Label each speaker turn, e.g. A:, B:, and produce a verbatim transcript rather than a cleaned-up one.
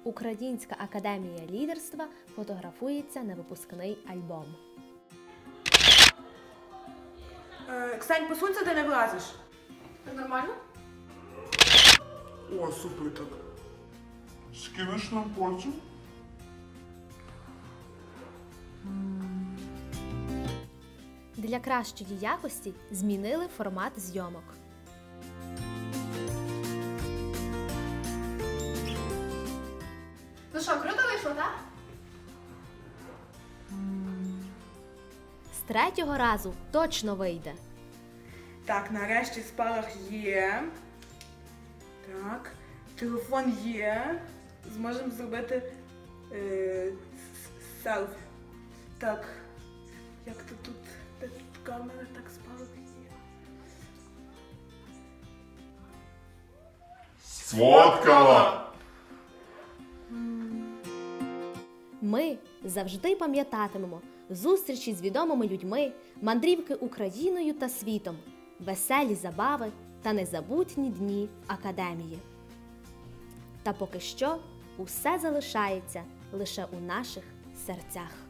A: Українська академія лідерства фотографується на випускний альбом.
B: Е, Ксень, посунься, ти не влазиш.
C: Нормально?
D: О, супер так. Скинеш нам потім?
A: Для кращої якості змінили формат зйомок.
C: Ну що, круто вийшло, так?
A: З третього разу точно вийде.
B: Так, нарешті спалах є. Так, телефон є. Зможемо зробити е, с- селфі. Так, як то тут, де тут камера, так спалах є.
D: Сфоткала!
A: Ми завжди пам'ятатимемо зустрічі з відомими людьми, мандрівки Україною та світом, веселі забави та незабутні дні в академії. Та поки що усе залишається лише у наших серцях.